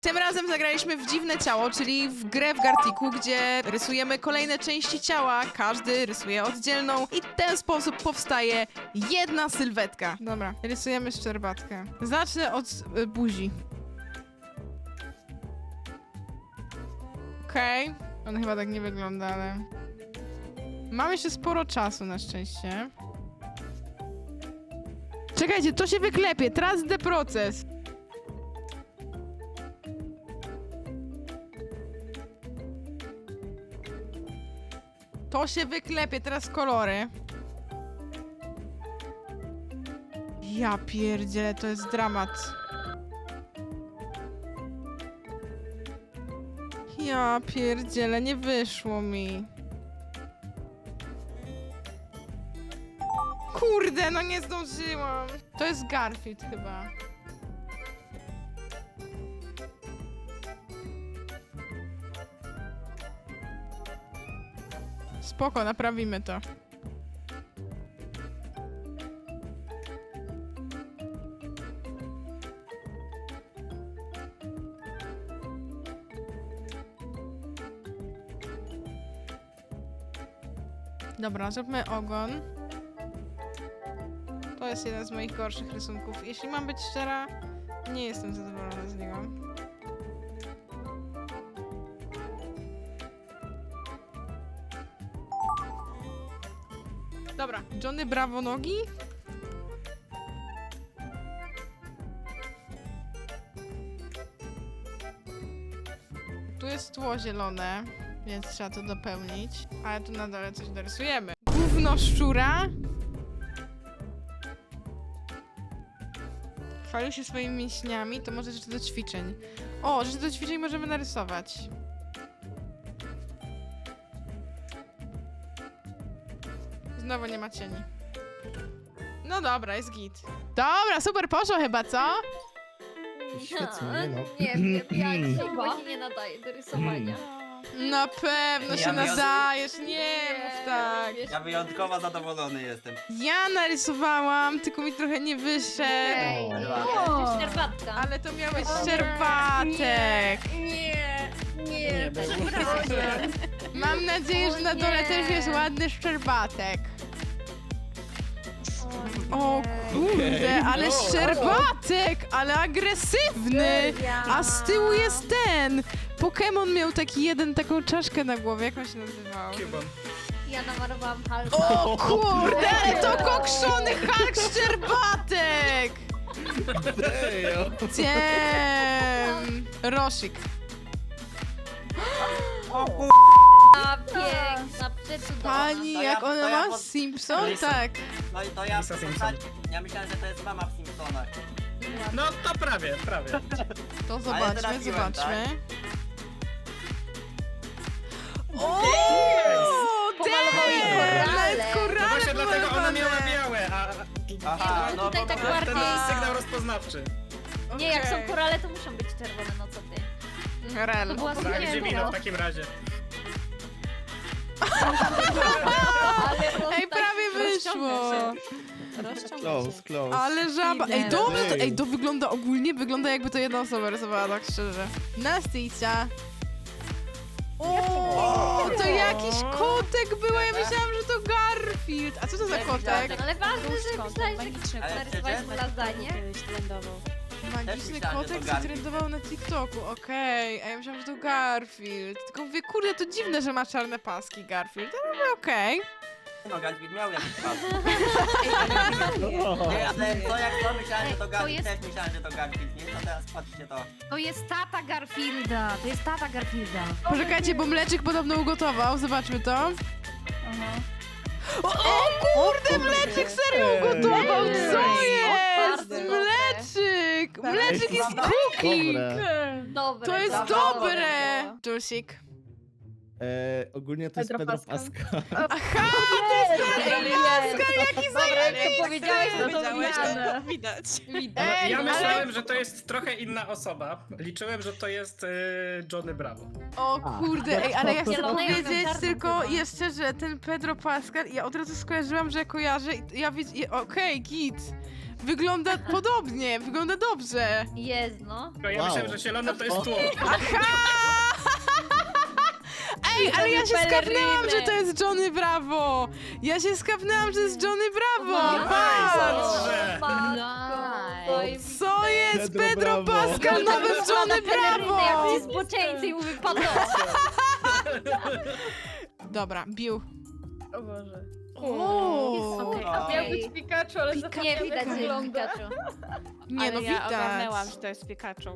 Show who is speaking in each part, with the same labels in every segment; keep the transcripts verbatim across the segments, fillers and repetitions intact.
Speaker 1: Tym razem zagraliśmy w Dziwne Ciało, czyli w grę w Gartiku, gdzie rysujemy kolejne części ciała, każdy rysuje oddzielną i w ten sposób powstaje jedna sylwetka. Dobra, rysujemy szczerbatkę. Zacznę od y, buzi. Okej, okay. On chyba tak nie wygląda, ale... Mamy jeszcze sporo czasu na szczęście. Czekajcie, to się wyklepie, trust the proces. To się wyklepie, teraz kolory. Ja pierdzielę, to jest dramat. Ja pierdzielę, nie wyszło mi. Kurde, no nie zdążyłam. To jest Garfield chyba. Spoko, naprawimy to. Dobra, zróbmy ogon. To jest jeden z moich gorszych rysunków. Jeśli mam być szczera, nie jestem zadowolona z niego. Dobra, Johnny Bravo nogi. Tu jest tło zielone, więc trzeba to dopełnić. Ale tu na dole coś dorysujemy. Gówno szczura. Chwalił się swoimi mięśniami, to może rzeczy do ćwiczeń. O, rzeczy do ćwiczeń możemy narysować. Znowu nie ma cieni. No dobra, jest git. Dobra, super poszło chyba, co?
Speaker 2: Świetnie, nie no.
Speaker 3: Nie wiem, ja się właśnie nie nadaję do rysowania.
Speaker 1: Na pewno się
Speaker 4: Ja
Speaker 1: nadajesz, nie mów tak.
Speaker 3: wiesz,
Speaker 4: Ja wyjątkowo zadowolony jestem.
Speaker 1: Ja narysowałam, tylko mi trochę nie wyszedł.
Speaker 3: Ej,
Speaker 2: O.
Speaker 3: szczerbatka.
Speaker 1: Ale to miał być
Speaker 3: O nie,
Speaker 1: szczerbatek.
Speaker 3: Nie, nie,
Speaker 2: Nie, bez
Speaker 3: przepraszam.
Speaker 1: Mam nadzieję, że na dole
Speaker 3: nie.
Speaker 1: też jest ładny szczerbatek. O kurde, ale
Speaker 2: No.
Speaker 1: szczerbatek, ale agresywny. A z tyłu jest ten. Pokémon miał taki jeden, taką czaszkę na głowie, jak on się nazywał?
Speaker 2: Cubon.
Speaker 3: Ja namalowałam Halka.
Speaker 1: O kurde, ale to kokszony Hulk szczerbatek. Ciem. Rosik.
Speaker 4: O kur...
Speaker 3: A, piękna, przecudowna.
Speaker 1: Pani,
Speaker 4: To
Speaker 1: jak
Speaker 4: ja-
Speaker 1: ona
Speaker 4: to ja
Speaker 1: ma?
Speaker 4: pod-
Speaker 1: Simpson?
Speaker 2: Lisa.
Speaker 1: Tak.
Speaker 4: No i to ja...
Speaker 2: Lisa Simpson.
Speaker 4: Ja myślałem, że to jest mama w Simpsonach.
Speaker 2: No to prawie, prawie.
Speaker 1: To zobaczmy,
Speaker 4: trafiłem,
Speaker 1: zobaczmy.
Speaker 2: Jest.
Speaker 1: O,
Speaker 3: Pomalowali
Speaker 1: damn!
Speaker 3: korale.
Speaker 1: Nawet
Speaker 2: No
Speaker 1: korale
Speaker 2: właśnie dlatego ona miała
Speaker 1: pomalowane.
Speaker 2: białe, a...
Speaker 4: Aha,
Speaker 3: Nie,
Speaker 4: no
Speaker 3: tutaj
Speaker 4: bo
Speaker 3: tak
Speaker 4: to
Speaker 2: To
Speaker 4: jest
Speaker 2: ten
Speaker 3: bardziej-
Speaker 4: ten...
Speaker 2: sygnał rozpoznawczy.
Speaker 3: Nie, jak są
Speaker 1: Okej.
Speaker 3: korale, to muszą być czerwone, no co ty.
Speaker 1: Rel.
Speaker 3: To była
Speaker 2: Tak,
Speaker 3: sukienka.
Speaker 2: Dzimino w takim razie.
Speaker 3: Ale
Speaker 1: Ej, prawie wyszło.
Speaker 5: Close, close.
Speaker 1: Ale żaba. Ej, dobra, to,
Speaker 5: Ej.
Speaker 1: ej, to wygląda ogólnie, wygląda jakby to jedna osoba rysowała, tak szczerze. Nastyjcia. O, to jakiś kotek był, a ja myślałam, że to Garfield. A co to za kotek?
Speaker 3: Ale ważne, że myślałeś, że
Speaker 4: Ale
Speaker 3: narysowałeś mu lasagne.
Speaker 1: Magiczny
Speaker 4: myślałem, że to
Speaker 1: kotek, co
Speaker 4: Garfield.
Speaker 1: trendował na TikToku, okej. A ja myślałam, że to Garfield. Tylko mówię, kurde, to dziwne, że ma czarne paski Garfield, ale mówię, okej.
Speaker 4: No, Garfield miał jakiś pas. Nie, ale co jak to myślałem, że to
Speaker 6: To
Speaker 4: Garfield,
Speaker 6: jest-
Speaker 4: też myślałem, że to Garfield, nie? No teraz patrzcie to.
Speaker 6: To jest tata Garfielda, to jest tata Garfielda.
Speaker 1: Poczekajcie, bo Mleczyk podobno ugotował, zobaczmy to. O, o kurde, Mleczyk serio ugotował, co jest?
Speaker 3: Bardzo dobre.
Speaker 1: Mleczyk! Mleczyk jest cooking!
Speaker 5: Dobre.
Speaker 3: Dobre.
Speaker 1: To jest
Speaker 4: Dobra,
Speaker 1: dobre! Julesik.
Speaker 5: E, ogólnie to jest
Speaker 7: Pedro
Speaker 5: Pedro
Speaker 7: Pascal.
Speaker 5: Pascal.
Speaker 1: Aha!
Speaker 3: Jaki Dobra, jak to powiedziałeś, no to
Speaker 7: Powiedziałeś,
Speaker 3: widziane.
Speaker 7: Widać.
Speaker 3: Widać.
Speaker 1: Ej,
Speaker 2: Ja
Speaker 1: ale-
Speaker 2: myślałem, że to jest trochę inna osoba. Liczyłem, że to jest y, Johnny Bravo.
Speaker 1: O kurde, ej, ale ja chcę
Speaker 3: Zielone, ja miałam
Speaker 1: powiedzieć
Speaker 3: czarną
Speaker 1: tylko
Speaker 3: chyba.
Speaker 1: jeszcze, że ten Pedro Pascal, ja od razu skojarzyłam, że kojarzę i ja widzę, okej, git. Wygląda podobnie, wygląda dobrze.
Speaker 3: Jest, no.
Speaker 2: Tylko ja
Speaker 5: Wow.
Speaker 2: myślałem, że zielone to jest tło.
Speaker 1: Ej, ale ja się
Speaker 3: Balleriny.
Speaker 1: skapnęłam, że to jest Johnny Bravo! Ja się skapnęłam, że to jest Johnny Bravo!
Speaker 3: Nice.
Speaker 1: Patrz!
Speaker 2: Dobrze.
Speaker 3: Matko,
Speaker 6: Nice.
Speaker 1: Co jest
Speaker 5: Pedro
Speaker 1: Pedro
Speaker 5: Bravo.
Speaker 1: Pascal nowy Johnny Bravo!
Speaker 3: Jak ci zboczeńcy i mówię, padło.
Speaker 1: Dobra, bił.
Speaker 7: O Boże.
Speaker 1: O,
Speaker 3: Okej,
Speaker 7: Miał
Speaker 3: okej.
Speaker 7: być Pikachu, ale
Speaker 3: Nie
Speaker 7: zapomniałem,
Speaker 3: widać,
Speaker 7: jak
Speaker 3: że jest
Speaker 7: wygląda.
Speaker 3: Pikachu.
Speaker 1: nie
Speaker 7: Ale
Speaker 1: no,
Speaker 7: ja ogarnęłam,
Speaker 1: widać.
Speaker 7: że to jest Pikachu.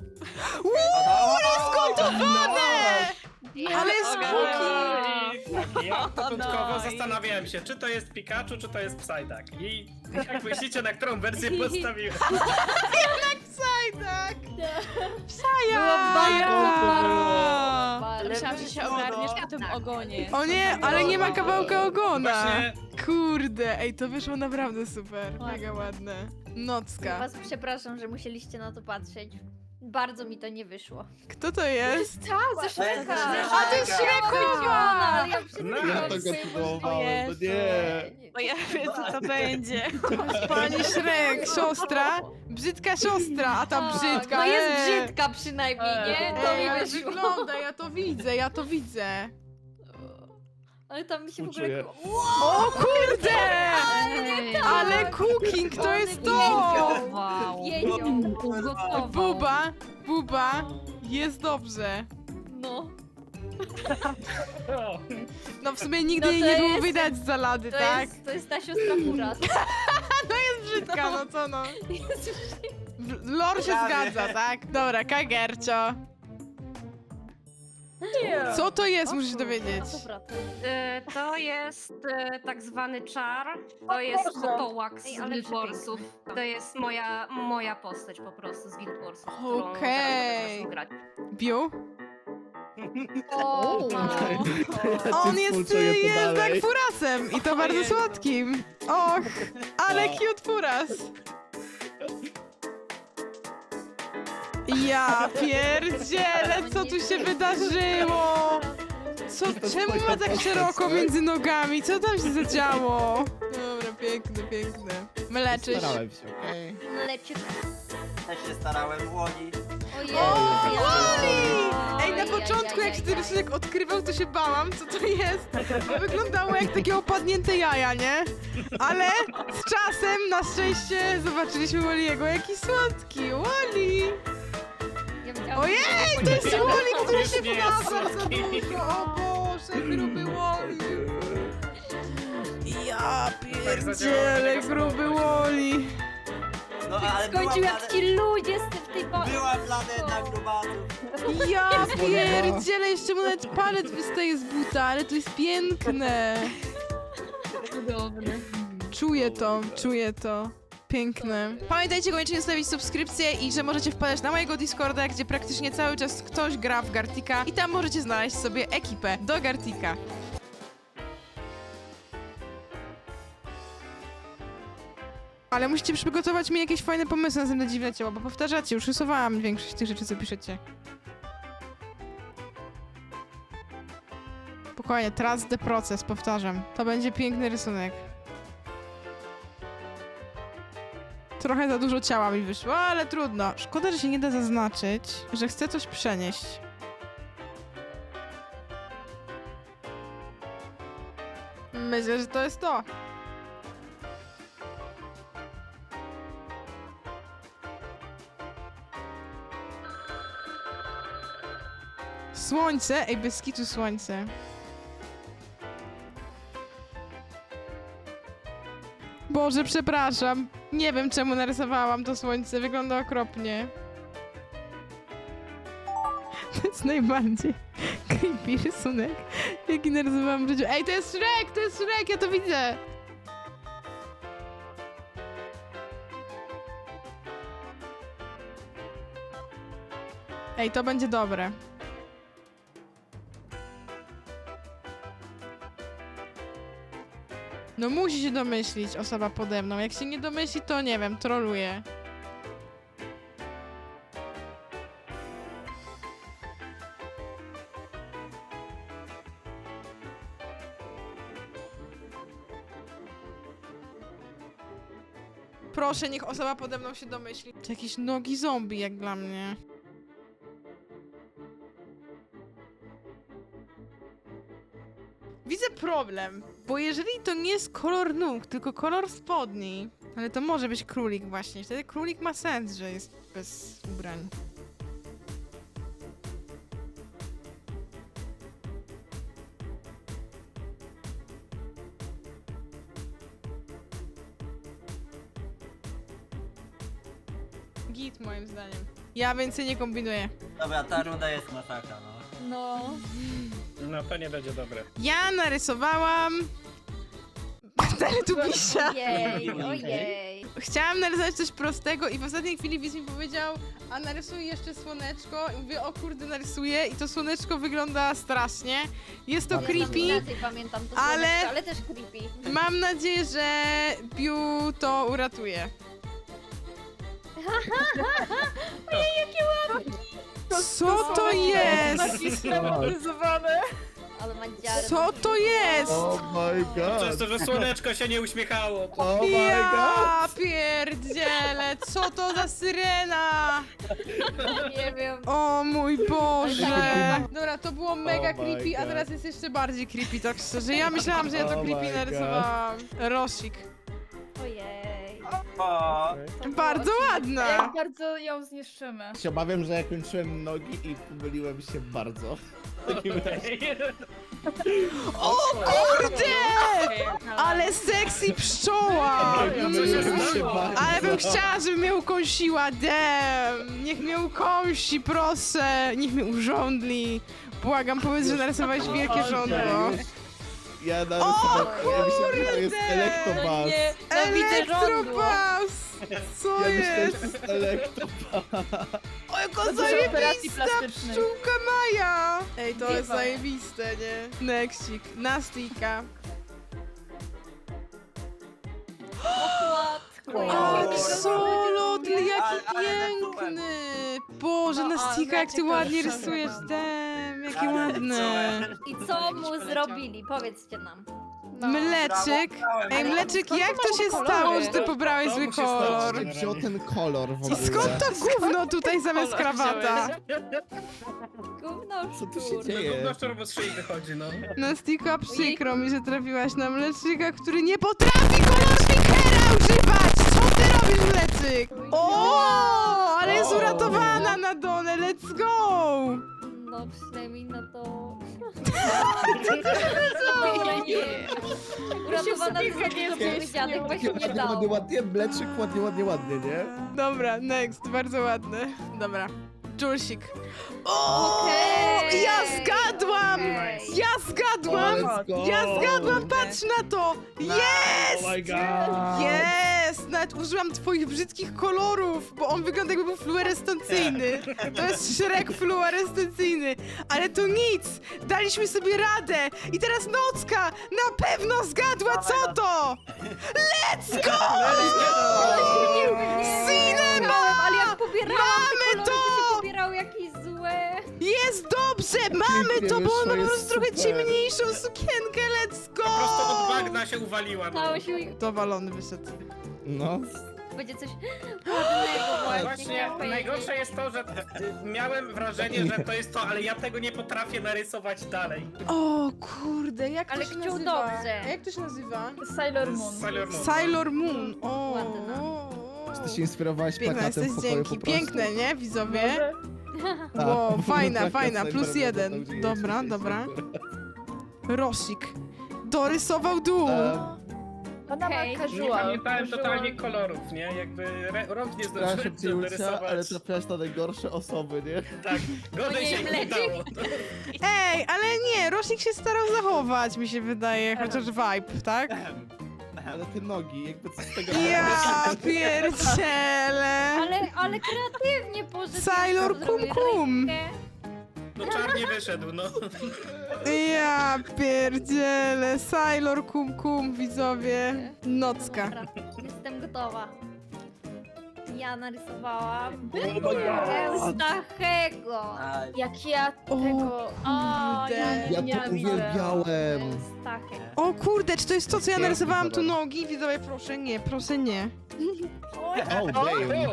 Speaker 1: Ale jest
Speaker 2: I tak, ja początkowo
Speaker 7: No i-
Speaker 2: zastanawiałem się, czy to jest Pikachu, czy to jest Psyduck. I jak myślicie, na którą wersję postawiłem?
Speaker 1: Sajdak!
Speaker 3: Było
Speaker 1: Psaja!
Speaker 3: bardzo, bardzo,
Speaker 7: Ale myślałam, że się
Speaker 4: było,
Speaker 7: ogarniesz
Speaker 4: no.
Speaker 7: po tym ogonie.
Speaker 1: O nie, ale nie ma kawałka ogona.
Speaker 2: Właśnie
Speaker 1: Kurde, ej, to wyszło naprawdę super. Mega ładne. Nocka.
Speaker 3: Was przepraszam, że musieliście na to patrzeć. Bardzo mi to nie wyszło.
Speaker 1: Kto to jest?
Speaker 3: Ze Shreka.
Speaker 4: A, to jest
Speaker 1: Shreka!
Speaker 3: Ale ja
Speaker 2: No.
Speaker 5: Ja
Speaker 3: przepraszam.
Speaker 5: tego próbowałem, no nie.
Speaker 7: Bo ja wiem, co to będzie.
Speaker 1: Pani Shrek, siostra. Brzydka siostra, a ta
Speaker 3: Tak,
Speaker 1: brzydka.
Speaker 3: No jest
Speaker 1: e.
Speaker 3: brzydka przynajmniej, nie? To
Speaker 1: Ej,
Speaker 3: mi
Speaker 1: ale
Speaker 3: wyszło.
Speaker 1: wygląda, ja to widzę, ja to widzę.
Speaker 3: Ale tam mi się w
Speaker 5: Uczuję.
Speaker 3: ogóle...
Speaker 1: O kurde!
Speaker 6: Ej,
Speaker 1: Ale cooking, to jest to!
Speaker 6: Wow.
Speaker 3: Wiedział.
Speaker 6: Ugotował.
Speaker 1: Buba, buba, jest dobrze.
Speaker 3: No.
Speaker 2: o,
Speaker 1: No w sumie nigdy
Speaker 3: No
Speaker 1: jej
Speaker 3: to
Speaker 1: nie było
Speaker 3: jest-
Speaker 1: widać z zalady,
Speaker 3: To
Speaker 1: tak?
Speaker 3: jest, to jest ta siostra Furas.
Speaker 1: Brzydka, no co no. W- Lore się
Speaker 4: Prawie.
Speaker 1: zgadza, tak? Dobra, Kagercio. Co to jest, musisz dowiedzieć.
Speaker 3: No to prawda.
Speaker 8: E, To jest e, tak zwany czar. To jest Kotołak z
Speaker 3: Ej, ale
Speaker 8: Guild Warsów. To jest moja, moja postać po prostu z Guild Warsów. którą
Speaker 1: Okej.
Speaker 8: zaraz grać.
Speaker 1: Biu?
Speaker 3: O,
Speaker 6: Wow.
Speaker 5: Ja
Speaker 1: On
Speaker 5: ci
Speaker 1: jest
Speaker 5: współczuję to
Speaker 1: jednak
Speaker 5: dalej.
Speaker 1: furasem i to bardzo słodkim. Och, ale cute furas. Ja pierdzielę, co tu się wydarzyło? Co, czemu ma tak szeroko między nogami? Co tam się zadziało? Dobra, piękne, piękne. Mleczysz.
Speaker 5: Starałem się, okej.
Speaker 3: Leciut.
Speaker 4: Też się starałem, Łoni.
Speaker 3: Ojej.
Speaker 1: O,
Speaker 3: ja-
Speaker 1: Wally! Ej, na
Speaker 3: Oj,
Speaker 1: początku
Speaker 3: aj,
Speaker 1: jak
Speaker 3: aj,
Speaker 1: się ten
Speaker 3: aj.
Speaker 1: rysunek odkrywał, to się bałam, co to jest. Bo wyglądało jak takie opadnięte jaja, nie? Ale z czasem, na szczęście, zobaczyliśmy Wally'ego. Jaki słodki, Wally!
Speaker 3: Ja widziałam,
Speaker 1: Ojej, to jest
Speaker 3: że-
Speaker 1: Wally, który
Speaker 2: Już
Speaker 1: się
Speaker 2: nie jest
Speaker 1: wlazł za
Speaker 2: słodki.
Speaker 1: dużo. O Boże, gruby Wally. Ja pierdzielę, gruby Wally.
Speaker 4: No ale była,
Speaker 3: Skończył jak
Speaker 4: plane...
Speaker 3: ci ludzie z tym w tej ba-
Speaker 4: była planeta grubasów.
Speaker 1: Ja pierdzielę, jeszcze mu nawet palec wystaje z buta, ale to jest piękne.
Speaker 6: Cudowny.
Speaker 1: Czuję to, czuję to. Piękne. Pamiętajcie koniecznie zostawić subskrypcję i że możecie wpadać na mojego Discorda, gdzie praktycznie cały czas ktoś gra w Gartika i tam możecie znaleźć sobie ekipę do Gartika. Ale musicie przygotować mi jakieś fajne pomysły na następne dziwne ciało, bo powtarzacie, już rysowałam większość tych rzeczy, co piszecie. Spokojnie, trust the proces, powtarzam. To będzie piękny rysunek. Trochę za dużo ciała mi wyszło, ale trudno. Szkoda, że się nie da zaznaczyć, że chcę coś przenieść. Myślę, że to jest to. Słońce? Ej, bez kitu słońce. Boże, przepraszam. Nie wiem, czemu narysowałam to słońce. Wygląda okropnie. To jest najbardziej creepy rysunek, jaki narysowałam w życiu. Ej, to jest Shrek! To jest Shrek! Ja to widzę! Ej, to będzie dobre. No musi się domyślić osoba pode mną. Jak się nie domyśli, to nie wiem, troluje. Proszę, niech osoba pode mną się domyśli. To jakieś nogi zombie, jak dla mnie. Widzę problem, bo jeżeli to nie jest kolor nóg, tylko kolor spodni, ale to może być królik właśnie, wtedy królik ma sens, że jest bez ubrań. Git moim zdaniem. Ja więcej nie kombinuję.
Speaker 4: Dobra, ta runda jest masakra, no.
Speaker 3: No.
Speaker 2: No to nie będzie dobre.
Speaker 1: Ja narysowałam... Teletubisia.
Speaker 3: Ojej, ojej.
Speaker 1: Chciałam narysować coś prostego i w ostatniej chwili widz mi powiedział, a narysuj jeszcze słoneczko i mówię, o kurde, narysuję i to słoneczko wygląda strasznie. Jest to
Speaker 3: Ja
Speaker 1: creepy.
Speaker 3: tam inaczej pamiętam to
Speaker 1: ale-
Speaker 3: słoneczko, ale też creepy.
Speaker 1: Mam nadzieję, że Biu to uratuje. Co to jest?
Speaker 3: Ale ma dziarę.
Speaker 1: Co to jest?
Speaker 5: Oh my
Speaker 2: Przez
Speaker 5: god!
Speaker 2: to, że słoneczko się nie uśmiechało. To...
Speaker 5: Oh my god!
Speaker 1: Ja pierdzielę, co to za syrena?
Speaker 3: Nie wiem.
Speaker 1: O mój Boże! Dobra, to było mega
Speaker 5: Oh my
Speaker 1: creepy, a
Speaker 5: God.
Speaker 1: teraz jest jeszcze bardziej creepy, tak szczerze. Ja myślałam, że ja to
Speaker 5: Oh
Speaker 1: creepy
Speaker 5: my God.
Speaker 1: narysowałam. Rosik.
Speaker 3: Ojej.
Speaker 4: O,
Speaker 1: Bardzo ładna!
Speaker 6: Jak bardzo ją zniszczymy.
Speaker 5: Się obawiam, że ja kończyłem nogi i pomyliłem się bardzo. W takim razie.
Speaker 1: O kurde! Ale sexy pszczoła!
Speaker 5: Pomyliłem się bardzo.
Speaker 1: Ale bym chciała, żeby mnie ukąsiła, damn! Niech mnie ukąsi, proszę! Niech mnie urządli! Błagam, powiedz, że narysowałeś wielkie żądło.
Speaker 5: Ja narysowałem, ja myślałem, że to jest
Speaker 1: kurde!
Speaker 5: Electabuzz.
Speaker 7: No widzę żądło.
Speaker 1: Elektrobus! Co
Speaker 5: Ja myślałem, że
Speaker 1: jest?
Speaker 5: to jest Electabuzz.
Speaker 1: O, jaka
Speaker 7: Za dużo operacji
Speaker 1: zajebista
Speaker 7: plastycznych.
Speaker 1: pszczółka Maja! Ej, to jest
Speaker 7: Biwa.
Speaker 1: zajebiste, nie? Nextik, Nastika.
Speaker 3: Matko,
Speaker 1: O,
Speaker 3: jakie
Speaker 1: Axolotl,
Speaker 4: Ale-
Speaker 1: jaki
Speaker 4: ale
Speaker 1: piękny! Boże,
Speaker 7: No,
Speaker 1: Nastika,
Speaker 7: a,
Speaker 1: jak ty
Speaker 7: ciekawe,
Speaker 1: ładnie
Speaker 7: proszę
Speaker 1: rysujesz,
Speaker 7: bardzo.
Speaker 1: damn, jakie
Speaker 4: ale
Speaker 1: ładne.
Speaker 4: co?
Speaker 3: I co mu zrobili? Powiedzcie nam.
Speaker 7: No.
Speaker 1: Mleczyk. Ej, Mleczyk, jak to się stało, że ty pobrałeś
Speaker 2: To
Speaker 1: zły
Speaker 2: mu się stało,
Speaker 1: kolor?
Speaker 2: że-
Speaker 5: Wziął ten kolor w
Speaker 1: I
Speaker 5: ogóle.
Speaker 1: skąd to gówno tutaj zamiast krawata?
Speaker 3: Gówno
Speaker 5: Co tu się
Speaker 3: szczur.
Speaker 5: dzieje?
Speaker 2: No gówno szczur z szyi wychodzi, no.
Speaker 1: Nastika, przykro mi, że trafiłaś na Mleczyka, który nie potrafi kolor stickera używać! Co ty robisz, Mleczyk? O, ale jest
Speaker 2: O.
Speaker 1: uratowana na dole, let's go!
Speaker 3: No przynajmniej na to...
Speaker 7: Ale nie.
Speaker 3: Uratowana
Speaker 7: sobie
Speaker 3: z takiego
Speaker 7: zjeść,
Speaker 3: powiedzianych
Speaker 7: nie
Speaker 3: właśnie nie
Speaker 5: Ładnie,
Speaker 3: dało.
Speaker 5: ładnie, mleczyk, ładnie, ładnie, ładnie, nie?
Speaker 1: Dobra, next, bardzo ładne. Dobra, Julsik. O,
Speaker 3: Okej.
Speaker 1: ja zgadłam!
Speaker 3: Okej.
Speaker 1: Ja zgadłam!
Speaker 5: Let's go.
Speaker 1: Ja zgadłam, patrz na to! Jest!
Speaker 5: Oh my god!
Speaker 1: Jest! Nawet użyłam twoich brzydkich kolorów, bo on wygląda jakby był fluorescencyjny. To jest Shrek fluorescencyjny. Ale to nic! Daliśmy sobie radę! I teraz Nocka na pewno zgadła, co to! Let's go! Cinema!
Speaker 3: Ale jak pobierałam
Speaker 1: Mamy
Speaker 3: te kolory, to
Speaker 1: to!
Speaker 3: się pobierały jakieś złe.
Speaker 1: Jest dobrze! Mamy to, bo on ma po
Speaker 5: wyszło,
Speaker 1: prostu
Speaker 5: jest
Speaker 1: trochę
Speaker 5: super.
Speaker 1: ciemniejszą sukienkę. Let's
Speaker 2: Po prostu od
Speaker 1: go!
Speaker 2: bagna się uwaliła, no.
Speaker 3: Stało się...
Speaker 1: Dowalony wyszedł.
Speaker 5: No.
Speaker 3: Będzie coś ładnego właśnie,
Speaker 2: Właśnie
Speaker 3: chciałam powiedzieć.
Speaker 2: najgorsze jest to, że y, miałem wrażenie, że to jest to, ale ja tego nie potrafię narysować dalej.
Speaker 1: O kurde, jak
Speaker 3: Ale
Speaker 1: to się
Speaker 3: chciał
Speaker 1: nazywa?
Speaker 3: dobrze.
Speaker 1: A jak to się nazywa?
Speaker 7: Sailor Moon.
Speaker 2: Sailor Moon.
Speaker 1: Sailor Moon. O,
Speaker 3: Ładna.
Speaker 1: o, o.
Speaker 5: Ty się inspirowałaś
Speaker 1: Piękna
Speaker 5: plakatem
Speaker 1: jesteś,
Speaker 5: w pokoju
Speaker 1: dzięki.
Speaker 5: po prostu?
Speaker 1: Piękne, nie, widzowie?
Speaker 7: Może?
Speaker 5: Tak,
Speaker 1: Wow,
Speaker 5: bo
Speaker 1: fajna,
Speaker 5: plakat
Speaker 1: fajna,
Speaker 5: Sailor
Speaker 1: plus
Speaker 5: Moon,
Speaker 1: jeden.
Speaker 5: tam, gdzie
Speaker 1: Dobra,
Speaker 5: jest,
Speaker 1: dobra.
Speaker 5: super.
Speaker 1: Rosik. Dorysował dół.
Speaker 5: Em,
Speaker 7: Ona ma
Speaker 3: Okej.
Speaker 2: Nie
Speaker 7: casual.
Speaker 2: pamiętałem
Speaker 7: casual.
Speaker 2: totalnie kolorów, nie? Jakby re- rąk nie
Speaker 5: Przepraszam
Speaker 2: zdążyłem
Speaker 5: cię, Julcia,
Speaker 2: narysować.
Speaker 5: ale trafiałaś na najgorsze osoby, nie?
Speaker 2: Tak, gorzej
Speaker 3: Ojej,
Speaker 2: się nie
Speaker 3: Mleczyk.
Speaker 2: udało.
Speaker 1: Ej, ale nie, Rosik się starał zachować, mi się wydaje, chociaż vibe, tak?
Speaker 5: Ale te nogi, jakby co z tego...
Speaker 1: Ja pierdzielę.
Speaker 3: Ale, ale kreatywnie poszedł.
Speaker 1: Sailor
Speaker 3: zrobił
Speaker 1: Kum Kum.
Speaker 3: rękę.
Speaker 2: No czarnie wyszedł, no.
Speaker 1: Ja pierdzielę, Sailor kum kum, widzowie. Nocka.
Speaker 3: Dobra, jestem gotowa. Ja narysowałam
Speaker 5: Oh my god.
Speaker 3: Eustachego.
Speaker 4: A,
Speaker 7: Jak ja
Speaker 1: O,
Speaker 7: tego... O,
Speaker 1: kurde.
Speaker 7: ja,
Speaker 5: Ja
Speaker 7: nie
Speaker 5: to
Speaker 7: widzę.
Speaker 5: uwielbiałem.
Speaker 3: Eustachek.
Speaker 1: O kurde, czy to jest to, co ja
Speaker 5: Piękny
Speaker 1: narysowałam tu
Speaker 5: kolor.
Speaker 1: nogi? Widzowie, proszę nie, proszę nie.
Speaker 5: Oh damn.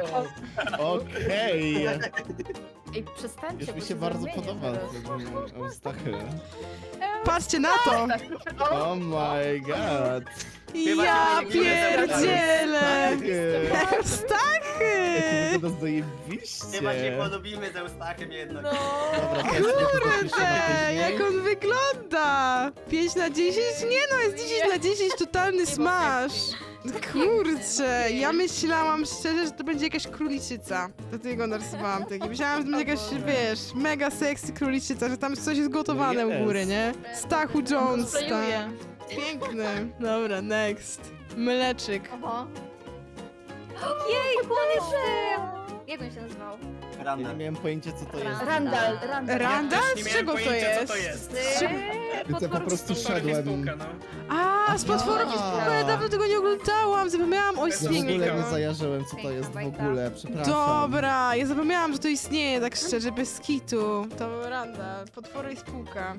Speaker 5: Okej.
Speaker 7: Ej, przestańcie,
Speaker 5: Już
Speaker 7: bo
Speaker 5: mi się
Speaker 7: się
Speaker 5: bardzo
Speaker 7: zamienię
Speaker 5: podoba
Speaker 7: zaraz.
Speaker 5: ten Eustachy.
Speaker 1: Patrzcie na to!
Speaker 5: Oh my god.
Speaker 1: Ja
Speaker 4: się nie
Speaker 1: pierdzielę!
Speaker 5: Eustachy.
Speaker 1: Stachy!
Speaker 5: To wygląda zajebiście.
Speaker 4: chyba się polubimy z Eustachem jednak.
Speaker 3: No.
Speaker 5: Dobra, to jest
Speaker 1: Kurde, jak on wygląda! pięć na dziesięć? Nie no, jest dziesięć na dziesięć, totalny smash! Kurczę, ja myślałam szczerze, że to będzie jakaś króliczyca. Dlatego narysowałam taki. Myślałam, że to będzie jakaś, wiesz, mega sexy króliczyca, że tam coś jest gotowane u góry, nie? Stachu Jones, tak.
Speaker 7: Sklejuję.
Speaker 1: Piękny. Dobra, next. Mleczyk.
Speaker 3: Oho. Jejku, on jest... Jak on się nazywał?
Speaker 5: Ja
Speaker 4: Randa.
Speaker 5: nie miałem pojęcia, co to jest.
Speaker 7: Randall, Randall.
Speaker 1: Randall?
Speaker 2: Ja też nie
Speaker 1: Z
Speaker 2: miałem
Speaker 1: czego to
Speaker 2: pojęcia,
Speaker 1: jest?
Speaker 2: co to jest.
Speaker 5: Więc ja po prostu
Speaker 2: Potworem
Speaker 5: szedłem.
Speaker 2: spółka, no.
Speaker 1: A, z potworem
Speaker 5: Aha.
Speaker 1: ale dawno tego nie oglądałam, zapomniałam o
Speaker 5: Ja w ogóle
Speaker 1: istnieniu.
Speaker 5: nie zajarzyłem, co to jest w ogóle, przepraszam.
Speaker 1: Dobra, ja zapomniałam, że to istnieje, tak szczerze, bez kitu. To Randa, potwory i spółka.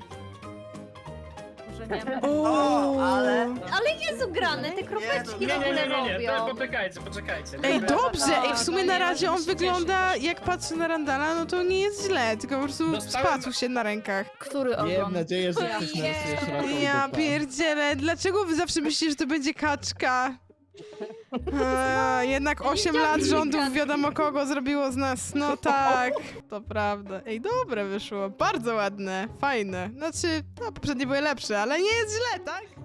Speaker 7: Może nie.
Speaker 5: O,
Speaker 4: ale-
Speaker 3: Ale Jezu, grane, te kropeczki
Speaker 2: Nie, nie, nie, nie, nie, to
Speaker 3: robią.
Speaker 2: poczekajcie, poczekajcie.
Speaker 1: Ej,
Speaker 2: Dobra.
Speaker 1: dobrze, ej, w sumie
Speaker 7: to
Speaker 1: na
Speaker 7: nie
Speaker 1: razie on
Speaker 7: możesz się
Speaker 1: wygląda, jak patrzę na Randala, no to nie jest źle, tylko po prostu
Speaker 2: Dostałem-
Speaker 1: spacuł się na rękach.
Speaker 7: Który
Speaker 5: Miałem
Speaker 7: ogon?
Speaker 5: nadzieję, że ktoś narysuje szeroką
Speaker 1: Ja
Speaker 5: dupę.
Speaker 1: pierdzielę, dlaczego wy zawsze myślicie, że to będzie kaczka? A, jednak osiem lat rządów wiadomo kogo zrobiło z nas, no tak, to prawda. Ej, dobre wyszło, bardzo ładne, fajne. Znaczy, no poprzednie były lepsze, ale nie jest źle, tak?